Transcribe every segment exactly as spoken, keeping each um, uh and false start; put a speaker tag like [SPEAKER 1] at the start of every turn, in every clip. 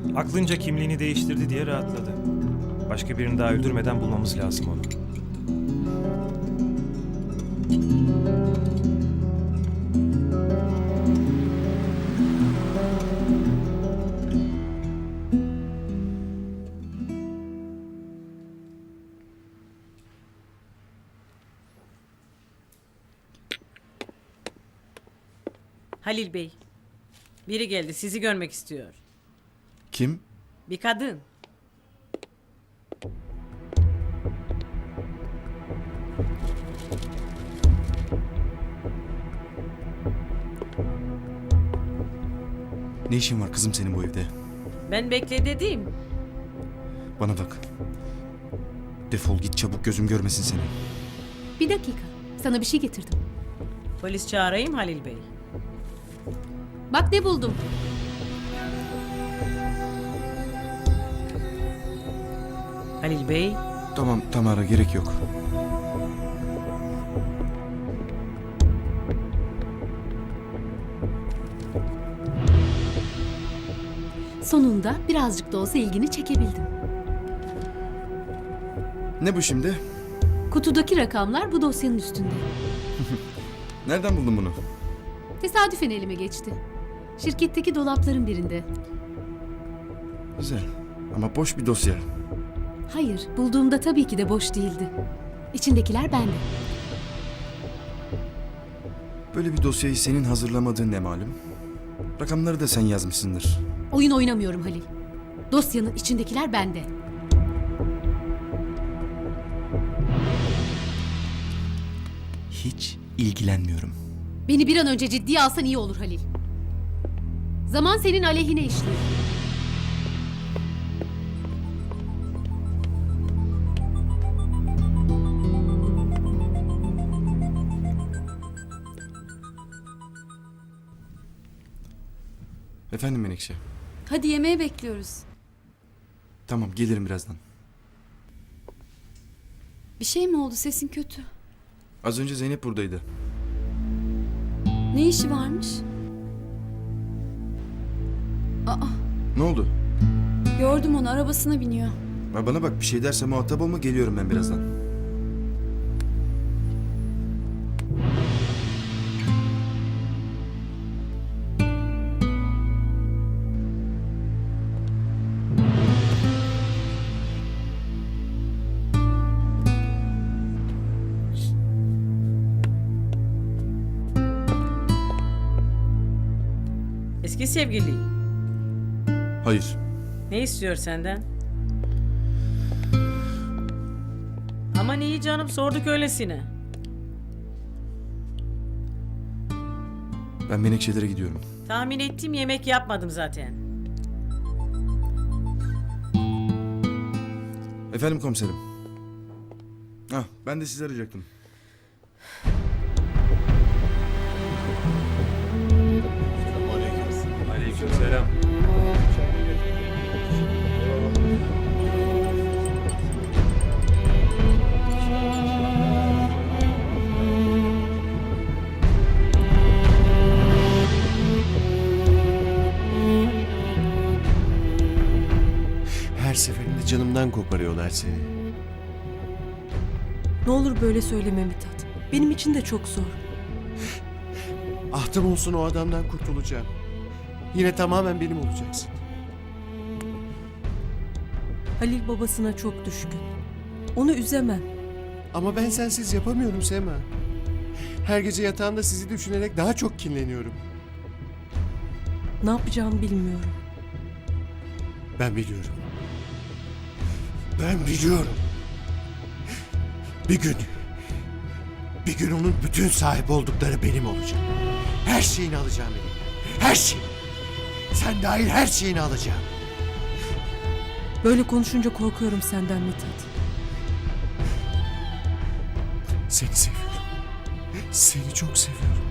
[SPEAKER 1] Aklınca kimliğini değiştirdi diye rahatladı. Başka birini daha öldürmeden bulmamız lazım onu.
[SPEAKER 2] Halil Bey, biri geldi, sizi görmek istiyor.
[SPEAKER 3] Kim?
[SPEAKER 2] Bir kadın.
[SPEAKER 3] Ne işin var kızım senin bu evde?
[SPEAKER 2] Ben bekle dedim.
[SPEAKER 3] Bana bak. Defol git çabuk, gözüm görmesin seni.
[SPEAKER 4] Bir dakika. Sana bir şey getirdim.
[SPEAKER 2] Polis çağırayım Halil Bey.
[SPEAKER 4] Bak ne buldum.
[SPEAKER 2] Halil Bey,
[SPEAKER 3] Tamam Tamara, gerek yok.
[SPEAKER 4] Sonunda birazcık da olsa ilgini çekebildim.
[SPEAKER 3] Ne bu şimdi?
[SPEAKER 4] Kutudaki rakamlar bu dosyanın üstünde.
[SPEAKER 3] Nereden buldun bunu?
[SPEAKER 4] Tesadüfen elime geçti. Şirketteki dolapların birinde.
[SPEAKER 3] Güzel. Ama boş bir dosya.
[SPEAKER 4] Hayır, bulduğumda tabii ki de boş değildi. İçindekiler bende.
[SPEAKER 3] Böyle bir dosyayı senin hazırlamadığın ne malum? Rakamları da sen yazmışsındır.
[SPEAKER 4] Oyun oynamıyorum Halil. Dosyanın içindekiler bende.
[SPEAKER 3] Hiç ilgilenmiyorum.
[SPEAKER 4] Beni bir an önce ciddiye alsan iyi olur Halil. Zaman senin aleyhine işliyor.
[SPEAKER 3] Efendim Menekşe?
[SPEAKER 5] Hadi yemeğe bekliyoruz.
[SPEAKER 3] Tamam, gelirim birazdan.
[SPEAKER 5] Bir şey mi oldu? Sesin kötü.
[SPEAKER 3] Az önce Zeynep buradaydı.
[SPEAKER 5] Ne işi varmış? Aa,
[SPEAKER 3] Ne oldu?
[SPEAKER 5] gördüm onu, arabasına biniyor.
[SPEAKER 3] Ha, bana bak, bir şey derse muhatap olma, geliyorum ben birazdan.
[SPEAKER 2] eski sevgili.
[SPEAKER 3] Hayır.
[SPEAKER 2] Ne istiyor senden? Aman iyi canım, sorduk öylesine.
[SPEAKER 3] Ben Menekşelere gidiyorum.
[SPEAKER 2] Tahmin ettim, yemek yapmadım zaten.
[SPEAKER 3] Efendim komiserim. Ah, ben de sizi arayacaktım.
[SPEAKER 1] Aleykümselam.
[SPEAKER 6] Her seferinde canımdan koparıyorlar seni.
[SPEAKER 7] Ne olur böyle söyleme Mithat. Benim için de çok zor.
[SPEAKER 6] Ahtım olsun, o adamdan kurtulacağım. Yine tamamen benim olacaksın.
[SPEAKER 7] Halil babasına çok düşkün. Onu üzemem.
[SPEAKER 6] Ama ben sensiz yapamıyorum Sema. Her gece yatağımda sizi düşünerek daha çok kinleniyorum.
[SPEAKER 7] Ne yapacağımı bilmiyorum.
[SPEAKER 6] Ben biliyorum. Ben biliyorum. Bir gün, bir gün onun bütün sahip oldukları benim olacak. Her şeyini alacağım elimden. Her şeyi. Sen dahil her şeyini alacağım.
[SPEAKER 7] Böyle konuşunca korkuyorum senden Mithat.
[SPEAKER 6] Seni seviyorum. Seni çok seviyorum.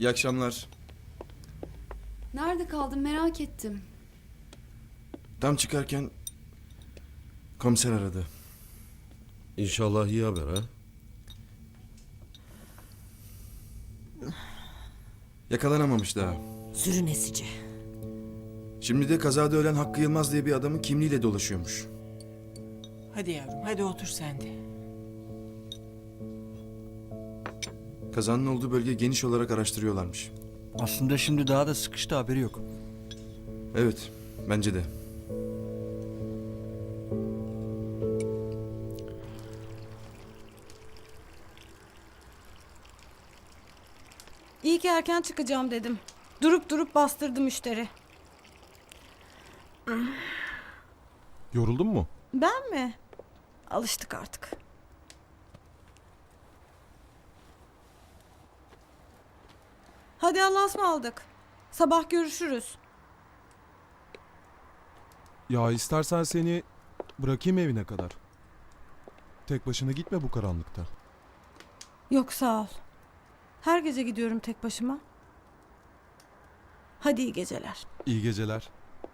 [SPEAKER 3] İyi akşamlar.
[SPEAKER 5] Nerede kaldın merak ettim.
[SPEAKER 3] Tam çıkarken komiser aradı.
[SPEAKER 8] İnşallah iyi haber ha.
[SPEAKER 3] Yakalanamamış daha.
[SPEAKER 9] Sürünesici.
[SPEAKER 3] Şimdi de kazada ölen Hakkı Yılmaz diye bir adamın kimliğiyle dolaşıyormuş.
[SPEAKER 10] Hadi yavrum, hadi otur sen de.
[SPEAKER 3] Kazanın olduğu bölge geniş olarak araştırıyorlarmış.
[SPEAKER 11] Aslında şimdi daha da sıkıştı, haberi yok.
[SPEAKER 3] Evet, bence de.
[SPEAKER 12] İyi ki erken çıkacağım dedim. Durup durup bastırdı müşteri.
[SPEAKER 8] Yoruldun mu?
[SPEAKER 12] Ben mi? Alıştık artık. Hadi Allah'a ısmarladık. Sabah görüşürüz.
[SPEAKER 8] Ya istersen seni bırakayım evine kadar. Tek başına gitme bu karanlıkta.
[SPEAKER 12] Yok sağ ol. Her gece gidiyorum tek başıma. Hadi iyi geceler.
[SPEAKER 8] İyi geceler.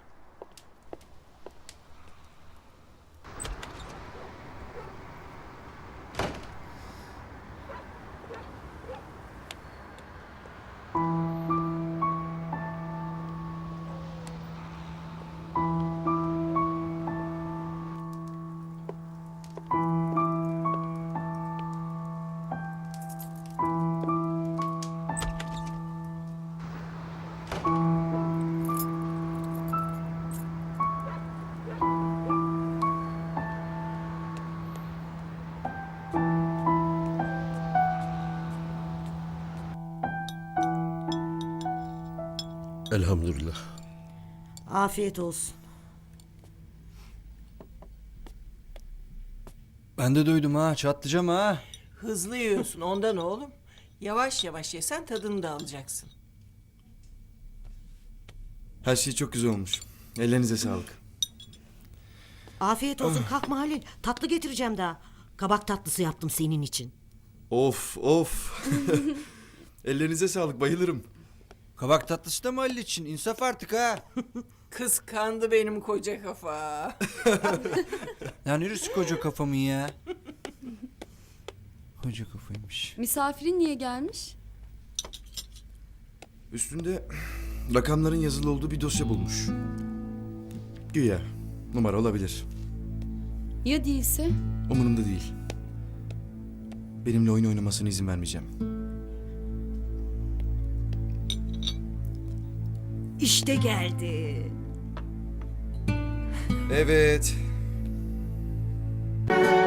[SPEAKER 8] Elhamdülillah.
[SPEAKER 9] Afiyet olsun.
[SPEAKER 11] Ben de duydum ha, çatlayacağım ha.
[SPEAKER 10] Hızlı yiyorsun ondan oğlum. Yavaş yavaş yesen tadını da alacaksın.
[SPEAKER 3] Her şey çok güzel olmuş. Ellerinize sağlık.
[SPEAKER 9] Afiyet olsun. Kalkma Halil. Tatlı getireceğim daha. Kabak tatlısı yaptım senin için.
[SPEAKER 3] Of of. Ellerinize sağlık, bayılırım.
[SPEAKER 11] Kabak tatlısı da mı Halil için? İnsaf artık ha.
[SPEAKER 10] Kıskandı benim koca kafa.
[SPEAKER 11] Ya neresi koca kafamın ya? Koca kafaymış.
[SPEAKER 5] Misafirin niye gelmiş?
[SPEAKER 3] Üstünde rakamların yazılı olduğu bir dosya bulmuş. Güya numara olabilir.
[SPEAKER 5] Ya değilse?
[SPEAKER 3] Umurumda değil. Benimle oyun oynamasına izin vermeyeceğim.
[SPEAKER 9] İşte geldi.
[SPEAKER 3] Evet.